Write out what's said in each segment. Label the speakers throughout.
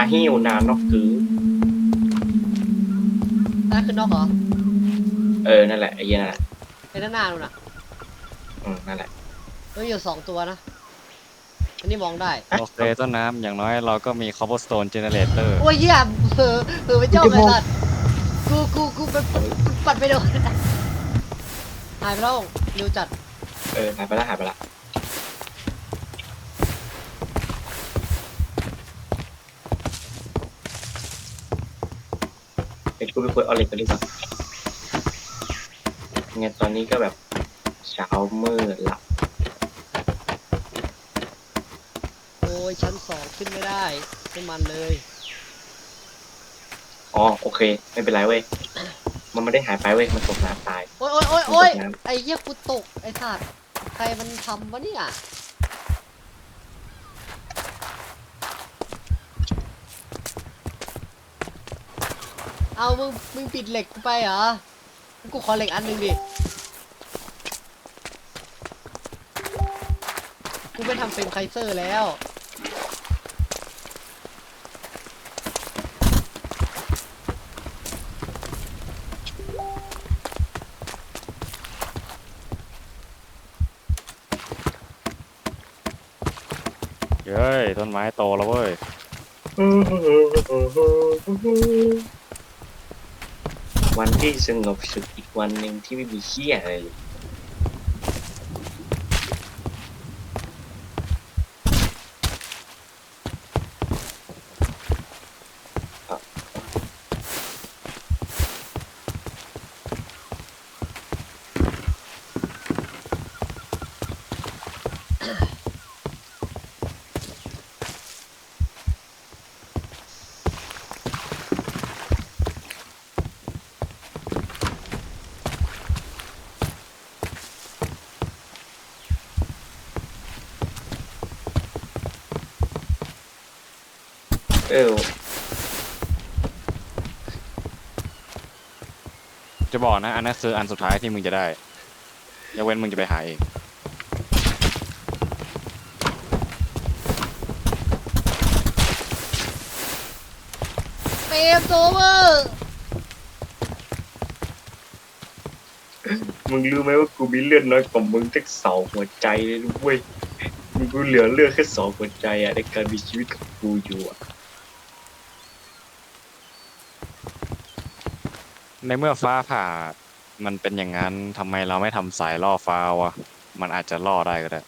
Speaker 1: หิ้วนานนอกคือ
Speaker 2: นั่นคือนอกเหรอ
Speaker 1: นั่นแหละไอ้เหี้ยนั่นแหละ
Speaker 2: ไอ้นั่นนานนู่นน่ะ
Speaker 1: นั่นแหละ
Speaker 2: เฮ้ยอยู่2 ตัวนะอันนี้มองได้
Speaker 1: ฮะ
Speaker 3: โอเคต้นน้ำอย่างน้อยเราก็มี cobblestone generator
Speaker 2: โอ้ยเหี้ยเผลอไปจ้องไอ้สัตว์กูไปปัดไปโดนหายไปแล้วเร็วจัด
Speaker 1: หายไปละหายไปละเป็นกูไปคุยออเล็กกันดีกว่าไงตอนนี้ก็แบบเช้ามืดละ
Speaker 2: โอ้ยชั้น2ขึ้นไม่ได้ไม่มันเลย
Speaker 1: อ๋อโอเคไม่เป็นไรเว้ยมันไม่ได้หายไปเว้ยมันตกน้ำตาย
Speaker 2: โอ้ยโอ้ยโอ้ยโอ้ยไอ้เหี้ยกูตกไอ้สัตว์ใครมันทำวะเนี่ยเอามึงปิดเหล็กกูไปเหรอกูขอเหล็กอันหนึ่งดิกูไปทำเฟรมไคเซอร์แล้ว
Speaker 3: เฮ้ยต้นไม้โตแล้วเว้ย
Speaker 1: วันที่สงบสุขอีกวันหนึ่งที่ไม่มีเหี้ยอะไรเลยเออ
Speaker 3: จะบอกนะอันนั้นคืออันสุดท้ายที่มึงจะได้ยกเว้นมึงจะไปหาเอง
Speaker 2: เฟรมโซเวอร์
Speaker 1: มึงรู้ไหมว่ากูมีเลือดน้อยกว่ามึงตั้ง2 หัวใจเลยนะเว้ยมึงกูเหลือเลือดแค่2 หัวใจอะในการมีชีวิตกับกูอยู่อะ
Speaker 3: ในเมื่อฟ้าผ่ามันเป็นอย่างนั้นทำไมเราไม่ทำสายล่อฟ้าวะมันอาจจะล่อได้ก็ได้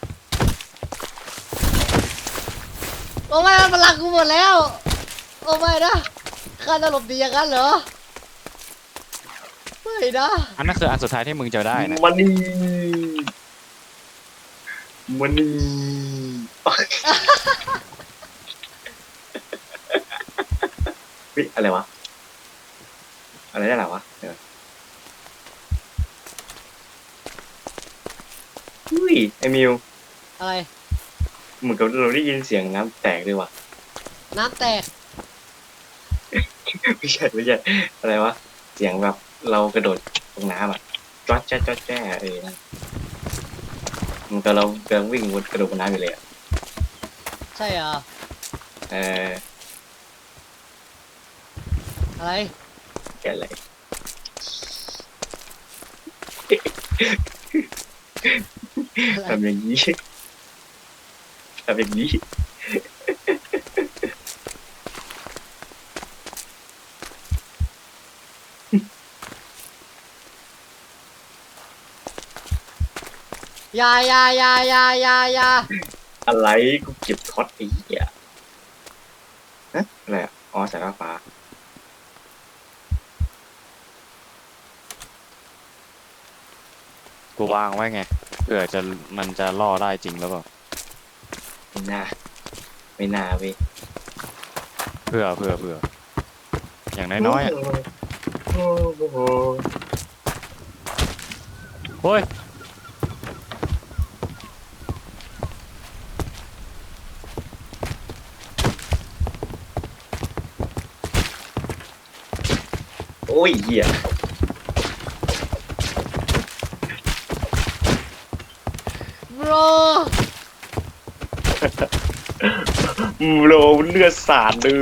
Speaker 2: โอ้ไม่มันลักกูหมดแล้วโอ้ไม่นะข้าจะหลบดีอย่างนั้นเหรอไม่นะ
Speaker 3: อันนั้นคืออันสุดท้ายที่มึงจะได้นะ
Speaker 1: มันนี่มันนี่เฮ้ยอะไรวะอะไรได้หรอวะอุ้ยไอมิว
Speaker 2: อะไร
Speaker 1: เหมือนกับเราได้ยินเสียงน้ำแตกด้วยวะ
Speaker 2: น้ำแตก
Speaker 1: ไม่ใช่อะไรวะเสียงแบบเรากระโดดลงน้ำอ่ะจ๊อดแจ๊ดจ๊อดแจ๊ดนั่นมันก็เรากำลังวิ่งวนกระโดดบนน้ำอยู่เลยอ่ะ
Speaker 2: ใช่เหรอ
Speaker 1: เออ
Speaker 2: อะไร
Speaker 1: แกอะไร
Speaker 2: อะไร
Speaker 1: ทำอย่างนี้ทำอย่างนี้
Speaker 2: อย่า
Speaker 1: อะไรกูเก็บท็อตไอ้เหี้ยฮะอะไรอ่ะอ๋อสายฟ้า
Speaker 3: กูวางไว้ไงเผื่อจะมันจะล่อได้จริงหรือเปล่า
Speaker 1: ไม่น่าไม่น่าเว้ย
Speaker 3: เผื่ออย่างน้อยๆอ่ะเฮ้ย
Speaker 1: โอ้ยเหี้ย
Speaker 2: bro
Speaker 1: โลเลือดสาดเลย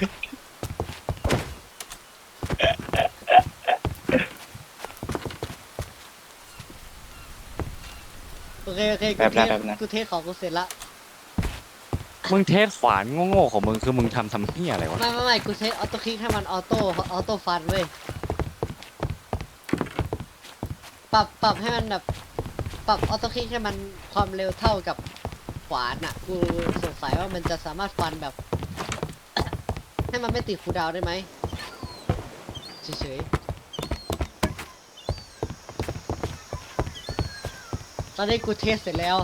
Speaker 2: โอเคโอเค
Speaker 1: แบบนั้นแบบนั้น
Speaker 2: กูเทสของกูเสร็จละ
Speaker 3: มึงเทสขวานโง่ๆของมึงคือมึงทำเหี้ยอะไรวะ
Speaker 2: ไม่กูเทสออโต้คลิกให้มันออโต้ฟันเว้ยปรับให้มันแบบปรับออโต้คลิกให้มันความเร็วเท่ากับขวานอ่ะกูสงสัยว่ามันจะสามารถฟันแบบ ให้มันไม่ติดคูลดาวน์ได้ไหมเฉยๆตอนนี้กูเทสเสร็จแล้ว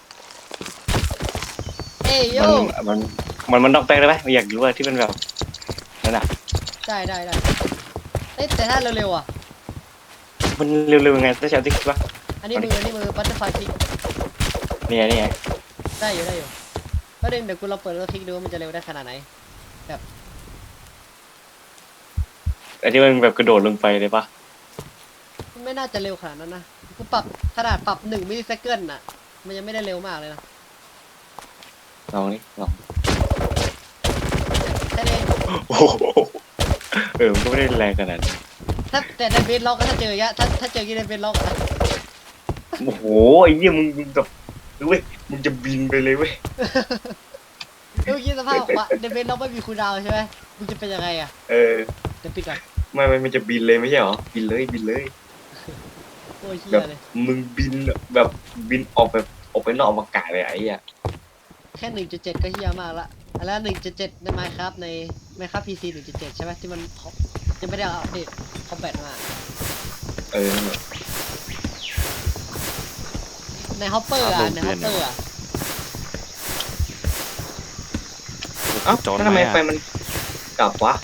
Speaker 2: เอ้ยโย
Speaker 1: มันต้องแปลงได้ไหมอยากรู้ว่าที่มันแบบนั่นน่ะ
Speaker 2: ได้เอ้ยแต่ถ้าเร็วๆอ่ะ
Speaker 1: มันเร็วๆยังไงต้องใช้ติ๊กปะ
Speaker 2: อันนี้มือบัตเตอร์ไฟคลิก
Speaker 1: นี่ไง
Speaker 2: ได้อยู่ก็เดี๋ยวกูลองเปิดแล้วคลิกดูว่ามันจะเร็วได้ขนาดไหน
Speaker 1: ไอ้ที่มันแบบกระโดดลงไปเลยปะ
Speaker 2: มันไม่น่าจะเร็วขนาดนั้นนะกูปรับขนาดปรับ1 มิลลิเซคันด์น่ะมันยังไม่ได้เร็วมากเลยนะ
Speaker 1: ลองนี่ลอง
Speaker 2: แต่ใน
Speaker 1: โอ้โหมันก็ไม่ได้แรงขนาดนั้น
Speaker 2: แต่ในเบสล็อกก็ถ้าเจออย่างเงี้ยถ้าเจอกี่ในเบสล็อกอะ
Speaker 1: โอ้โหไอ้เหี้ยมึงแบบเว้ยมึงจะบินไปเลยเว้ย
Speaker 2: เมื่อกี้สภาพว่าในเบสล็อกไม่มีคูลดาวน์ใช่ไหมมึงจะเป็นยังไงอะ
Speaker 1: เออ
Speaker 2: เดี๋ยวปิดก่อน
Speaker 1: ไม่มันจะบินเลยไม่ใช่หรอบินเลย
Speaker 2: โอ้ยเฮี
Speaker 1: แบ
Speaker 2: ย
Speaker 1: บ
Speaker 2: เลย
Speaker 1: มึงบินแบบบินออกแบบออกไปนอกอวกาศเลยไอ้เหี้ย
Speaker 2: แค่ 1.7 ก็เฮียมากละแล้ว 1.7 ใน Minecraft ใน Minecraft PC 1.7 ใช่ไหมที่มันยังไม่ได้อัปเดตคอมแบทมา
Speaker 1: เออ
Speaker 2: ในฮอปเปอร์อะในฮอปเปอร์อะ
Speaker 1: เอ้า
Speaker 3: จน
Speaker 1: แล้วทำ
Speaker 3: ไห
Speaker 1: ไม
Speaker 3: ม
Speaker 1: ไฟ
Speaker 3: อะ
Speaker 1: มันกลับวะ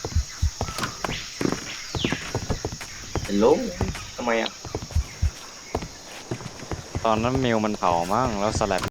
Speaker 1: ฮัลโหลทำไมอ่ะ
Speaker 3: ตอนนั้นมิวมันเผามั่งแล้วสลัด